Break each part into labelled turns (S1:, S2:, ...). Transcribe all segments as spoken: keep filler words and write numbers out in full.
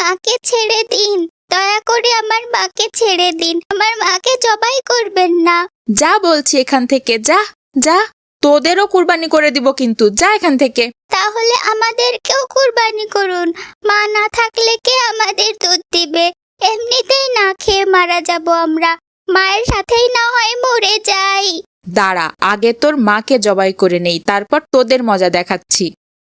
S1: মাকে ছেড়ে দিন, দয়া করে আমার মাকে ছেড়ে দিন, আমার মাকে জবাই করবেন না।
S2: যা বলছি এখান থেকে, যা যা, তোদেরও কুরবানি করে দিব কিন্তু, যা এখান থেকে।
S1: তাহলে আমাদেরকেও কুরবানি করুন, মা না থাকলে কে আমাদের দুধ দিবে? এমনিতেই না খেয়ে মারা যাব আমরা, মায়ের সাথেই না হয় মরে যাই।
S2: দাঁড়া, আগে তোর মাকে জবাই করে নেই, তারপর তোদের মজা দেখাচ্ছি।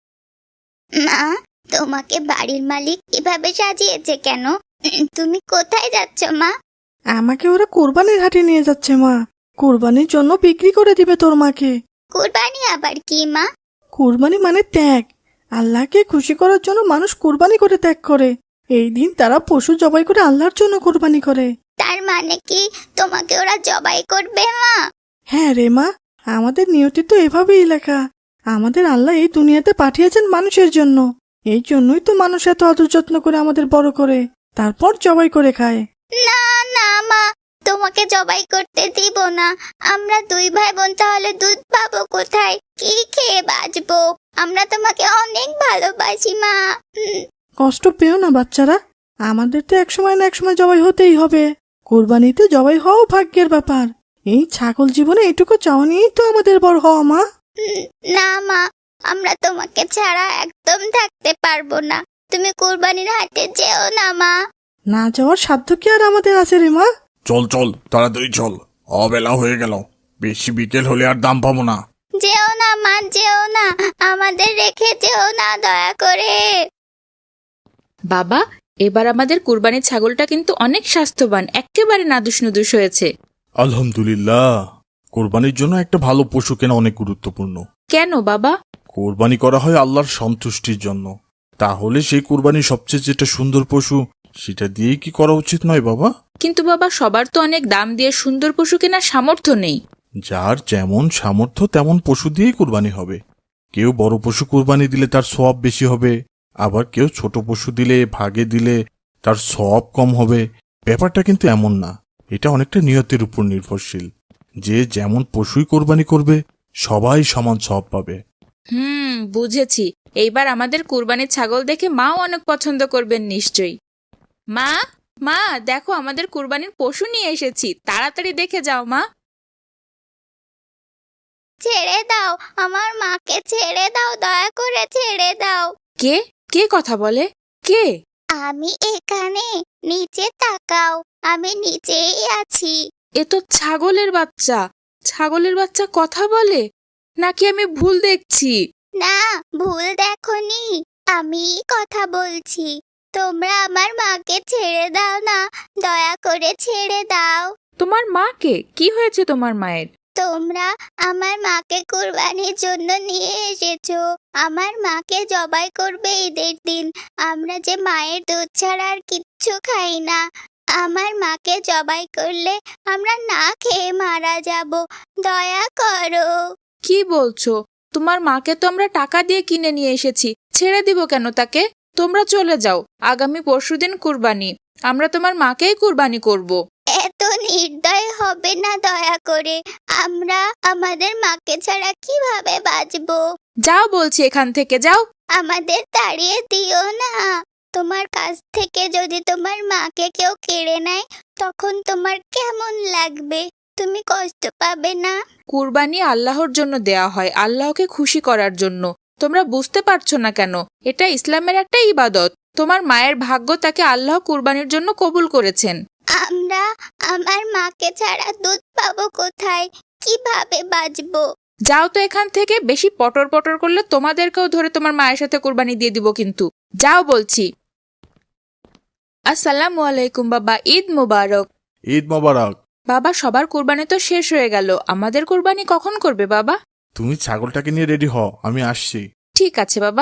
S1: মা, তোমাকে বাড়ির মালিক কিভাবে সাজিয়েছে কেন? তুমি কোথায় যাচ্ছ মা?
S3: আমাকে ওরা কোরবানির হাটে নিয়ে যাচ্ছে মা, কোরবানির জন্য বিক্রি করে দিবে তোর মাকে।
S1: কুরবানি আবার কি মা?
S3: কোরবানি মানে ত্যাগ। আল্লাহকে খুশি করার জন্য মানুষ কোরবানি করে ত্যাগ করে। এই দিন তারা পশু জবাই করে আল্লাহর জন্য কোরবানি করে।
S1: তার মানে কি তোমাকে ওরা জবাই করবে মা?
S3: হ্যাঁ রে মা, আমাদের নিয়তি তো এভাবেই লেখা। আমাদের আল্লাহ এই দুনিয়াতে পাঠিয়েছেন মানুষের জন্য, এই জন্যই তো মানুষ এত আদর যত্ন করে আমাদের বড় করে, তারপর জবাই করে খায়।
S1: না না মা, তোমাকে জবাই করতে দিব না। আমরা দুই ভাই বোন তাহলে দুধ পাবো কোথায়? কি খেয়ে বাঁচবো? আমরা তোমাকে অনেক ভালোবাসি মা। উম,
S3: কষ্ট পেও না বাচ্চারা, আমাদের তো একসময় না একসময় জবাই হতেই হবে। কোরবানিতে জবাই হওয়াও ভাগ্যের ব্যাপার। এই ছাগল জীবনে এইটুকু চাওয়া নিয়েই তো আমাদের বড় হওয়া মা।
S1: উম, না মা, আমরা তোমাকে ছাড়া একদম থাকতে পারবো না। তুমি কুরবানির হাটে যেও না মা।
S3: না যাওয়ার সাধ্য কি আর আমাদের আছে রে মা?
S4: চল চল তাড়াতাড়ি চল, অবেলা হয়ে গেল, বেশি বিকেল হলে আর দাম পাবো না।
S1: যেও না মা, যেও না, আমাদের রেখে যেও না দয়া করে।
S2: বাবা, এবার আমাদের কুরবানির ছাগলটা কিন্তু অনেক স্বাস্থ্যবান, একেবারে নাদুস নুদুস হয়েছে।
S4: আলহামদুলিল্লাহ। কোরবানির জন্য একটা ভালো পশু কেনা অনেক গুরুত্বপূর্ণ।
S2: কেন বাবা?
S4: কোরবানি করা হয় আল্লাহর সন্তুষ্টির জন্য, তাহলে সেই কোরবানির সবচেয়ে যেটা সুন্দর পশু সেটা দিয়েই কি করা উচিত নয় বাবা?
S2: কিন্তু বাবা, সবার তো অনেক দাম দিয়ে সুন্দর পশু কেনার সামর্থ্য নেই।
S4: যার যেমন সামর্থ্য তেমন পশু দিয়েই কোরবানি হবে। কেউ বড় পশু কোরবানি দিলে তার সওয়াব বেশি হবে, আবার কেউ ছোট পশু দিলে, ভাগে দিলে তার সওয়াব কম হবে। ব্যাপারটা কিন্তু এমন না, এটা অনেকটা নিয়তের উপর নির্ভরশীল। যে যেমন পশুই কোরবানি করবে সবাই সমান সওয়াব পাবে।
S2: হুম, বুঝেছি। এইবার আমাদের কুরবানির ছাগল দেখে মাও অনেক পছন্দ করবেন নিশ্চয়ই। মা, মা দেখো, আমাদের কুরবানির পশু নিয়ে এসেছি, তাড়াতাড়ি দেখে যাও মা।
S1: ছেড়ে দাও, আমার মাকে ছেড়ে দাও, দয়া করে ছেড়ে দাও।
S2: কে কে কথা বলে? কে?
S1: আমি এখানে, নিচে তাকাও, আমি নিচেই আছি।
S2: এ তো ছাগলের বাচ্চা। ছাগলের বাচ্চা কথা বলে নাকি আমি ভুল দেখছি?
S1: না, ভুল দেখোনি, আমি কথা বলছি। তোমরা আমার মাকে ছেড়ে দাও না, দয়া করে ছেড়ে দাও।
S2: তোমার মাকে? কি হয়েছে তোমার মায়ের?
S1: তোমরা আমার মাকে কুরবানির জন্য নিয়ে এসেছো। আমার মাকে জবাই করবে ঈদের দিন। আমরা যে মায়ের দুধ ছাড়া আর কিচ্ছু খাই না। আমার মাকে জবাই করলে আমরা না খেয়ে মারা যাব। দয়া করো।
S2: কি বলছো? তোমার মাকে তো আমরা টাকা দিয়ে কিনে নিয়ে এসেছি, ছেড়ে দিব কেন তাকে? তোমরা চলে যাও, আগামী পরশুদিন কুরবানি, আমরা তোমার মাকেই কুরবানি করব।
S1: এত নির্দয় হবে না দয়া করে। আমরা আমাদের মাকে ছাড়া কিভাবে বাঁচবো?
S2: যাও বলছি, এখান থেকে যাও।
S1: আমাদের তাড়িয়ে দিও না। তোমার কাছ থেকে যদি তোমার মাকে কেউ কেড়ে নেয় তখন তোমার কেমন লাগবে? তুমি কষ্ট পাবে না?
S2: কুরবানি আল্লাহর জন্য দেয়া হয়, আল্লাহকে খুশি করার জন্য। তোমরা বুঝতে পারছো না কেন? এটা ইসলামের একটা ইবাদত। তোমার মায়ের ভাগ্য, তাকে আল্লাহ কুরবানির জন্য কবুল করেছেন।
S1: আমরা আমার মাকে ছাড়া দুধ পাবো কোথায়? কিভাবে বাঁচবো?
S2: যাও তো এখান থেকে, বেশি পটর পটর করলে তোমাদেরকেও ধরে তোমার মায়ের সাথে কুরবানি দিয়ে দিব কিন্তু। যাও বলছি। আসসালামু আলাইকুম বাবা, ঈদ মুবারক।
S4: ঈদ মোবারক।
S2: বাবা, সবার কুরবানি তো শেষ হয়ে গেল, আমাদের কুরবানি কখন করবে বাবা?
S4: তুমি ছাগলটাকে নিয়ে রেডি হও, আমি আসছি।
S2: ঠিক আছে বাবা।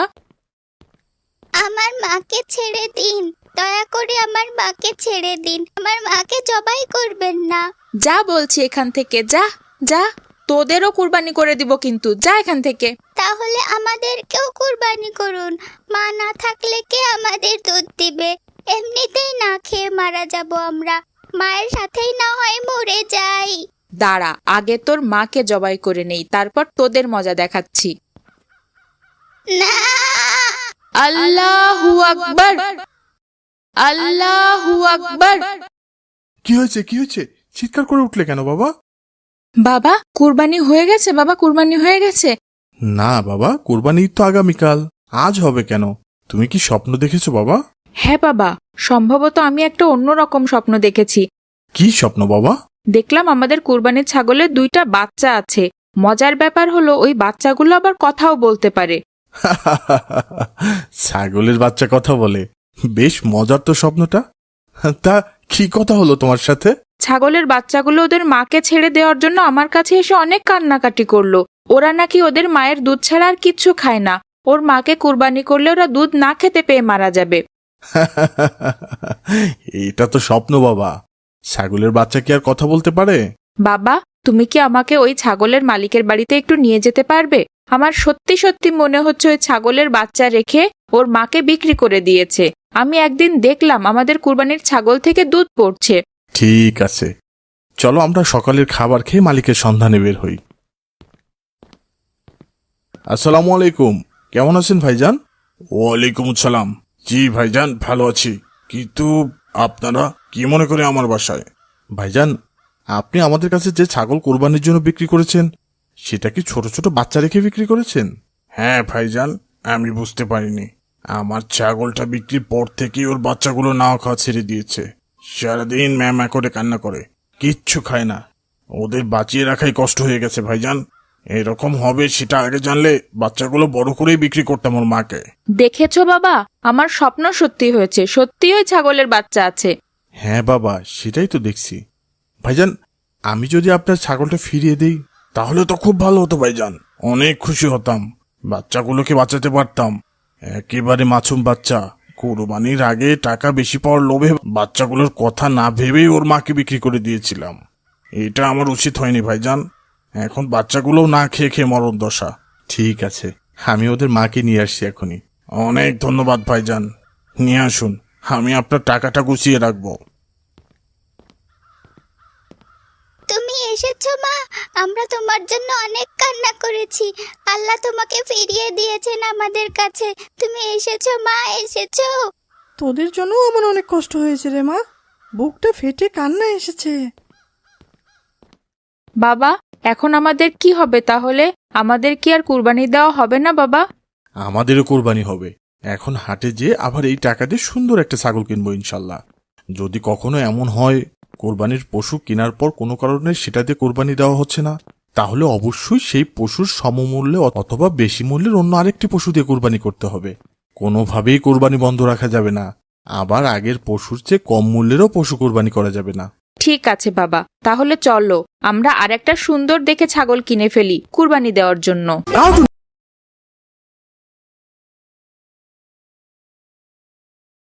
S1: আমার মাকে ছেড়ে দিন, দয়া করে আমার মাকে ছেড়ে দিন, আমার মাকে জবাই করবেন না।
S2: যা বলছি এখান থেকে, যা যা, তোদেরও কুরবানি করে দিব কিন্তু, যা এখান থেকে।
S1: তাহলে আমাদেরকেও কুরবানি করুন, মা না থাকলে কে আমাদের দুধ দিবে? এমনিতেই না খেয়ে মারা যাব আমরা, মায়ের সাথেই না হয় মরে যাই।
S2: দাঁড়া, আগে তোর মাকে জবাই করে নেই, তারপর তোদের মজা দেখাচ্ছি।
S1: না,
S2: আল্লাহু আকবার। আল্লাহু আকবার।
S4: কি হয়েছে কি হয়েছে চিৎকার করে উঠলে কেন বাবা?
S2: বাবা কুরবানি হয়ে গেছে, বাবা কুরবানি হয়ে গেছে।
S4: না বাবা, কোরবানি ঈদ তো আগামীকাল, আজ হবে কেন? তুমি কি স্বপ্ন দেখেছো বাবা?
S2: হ্যাঁ বাবা, সম্ভবত আমি একটা অন্যরকম স্বপ্ন দেখেছি।
S4: কি স্বপ্ন বাবা?
S2: দেখলাম আমাদের কুরবানির ছাগলের দুইটা বাচ্চা আছে। মজার ব্যাপার হলো ওই বাচ্চাগুলো আবার কথাও বলতে পারে।
S4: ছাগলের বাচ্চা কথা বলে? বেশ মজার তো স্বপ্নটা। তা কি কথা হলো তোমার সাথে?
S2: ছাগলের বাচ্চাগুলো ওদের মাকে ছেড়ে দেওয়ার জন্য আমার কাছে এসে অনেক কান্নাকাটি করলো। ওরা নাকি ওদের মায়ের দুধ ছাড়া আর কিচ্ছু খায় না। ওর মাকে কুরবানি করলে ওরা দুধ না খেতে পেয়ে মারা যাবে।
S4: এটা তো স্বপ্ন বাবা, ছাগলের বাচ্চা কি আর কথা বলতে পারে?
S2: বাবা তুমি কি আমাকে ওই ছাগলের মালিকের বাড়িতে একটু নিয়ে যেতে পারবে? আমার সত্যি সত্যি মনে হচ্ছে ওই ছাগলের বাচ্চা রেখে ওর মাকে বিক্রি করে দিয়েছে। আমি একদিন দেখলাম আমাদের কুরবানির ছাগল থেকে দুধ পড়ছে।
S4: ঠিক আছে, চলো আমরা সকালের খাবার খেয়ে মালিকের সন্ধানে বের হই। আসসালামু আলাইকুম, কেমন আছেন ভাইজান? ওয়ালাইকুম আসসালাম। জি ভাইজান, ভালো আছি। কিন্তু আপনারা কি মনে করে আমার বাসায়? ভাইজান, আপনি আমাদের কাছে যে ছাগল কোরবানির জন্য বিক্রি করেছেন সেটা কি ছোট ছোট বাচ্চা রেখে বিক্রি করেছেন? হ্যাঁ ভাইজান, আমি বুঝতে পারিনি। আমার ছাগলটা বিক্রির পর থেকেই ওর বাচ্চাগুলো নাও খাওয়া ছেড়ে দিয়েছে। সারাদিন ম্যামা করে কান্না করে, কিচ্ছু খায় না। ওদের বাঁচিয়ে রাখাই কষ্ট হয়ে গেছে ভাইজান। এরকম হবে সেটা আগে জানলে বাচ্চাগুলো বড় করেই বিক্রি করতাম ওর মাকে।
S2: দেখেছো বাবা, আমার স্বপ্ন সত্যি হয়েছে। সত্যি ওই ছাগলের বাচ্চা আছে।
S4: হ্যাঁ বাবা, সেটাই তো দেখছি। ভাইজান, আমি যদি আপনার ছাগলটা ফিরিয়ে দিই তাহলে তো খুব ভালো হতো ভাইজান, অনেক খুশি হতাম, বাচ্চাগুলোকে বাঁচাতে পারতাম। একেবারে মাসুম বাচ্চা, কোরবানির আগে টাকা বেশি পাওয়ার লোভে বাচ্চাগুলোর কথা না ভেবেই ওর মাকে বিক্রি করে দিয়েছিলাম। এটা আমার উচিত হয়নি ভাইজান। এখন বাচ্চাগুলোও না খেয়ে খেয়ে মরণ দশা। ঠিক আছে, আমি ওদের মাকে নিয়ে আসছি এখনই। অনেক ধন্যবাদ ভাইজান, নিয়ে আসুন, আমি আপনার টাকাটা গুছিয়ে রাখবো।
S1: তুমি এসেছো মা, আমরা তোমার জন্য অনেক কান্না করেছি। আল্লাহ তোমাকে ফিরিয়ে দিয়েছেন আমাদের কাছে। তুমি এসেছো মা, এসেছো।
S3: তোদের জন্য আমার অনেক কষ্ট হয়েছে রে মা, বুকটা ফেটে কান্না এসেছে।
S2: বাবা এখন আমাদের কি হবে তাহলে? আমাদের কি আর কুরবানি দেওয়া হবে না বাবা?
S4: আমাদেরও কোরবানি হবে। এখন হাটে যেয়ে আবার এই টাকা দিয়ে সুন্দর একটা ছাগল কিনবো ইনশাল্লাহ। যদি কখনো এমন হয় কোরবানির পশু কেনার পর কোনো কারণে সেটা দিয়ে কোরবানি দেওয়া হচ্ছে না, তাহলে অবশ্যই সেই পশুর সমমূল্যে অথবা বেশি মূল্যের অন্য আরেকটি পশু দিয়ে কোরবানি করতে হবে। কোনোভাবেই কোরবানি বন্ধ রাখা যাবে না। আবার আগের পশুর চেয়ে কম মূল্যেরও পশু কোরবানি করা যাবে না।
S2: ঠিক আছে বাবা, তাহলে চলো আমরা আরেকটা সুন্দর দেখে ছাগল কিনে ফেলি কুরবানি দেওয়ার জন্য।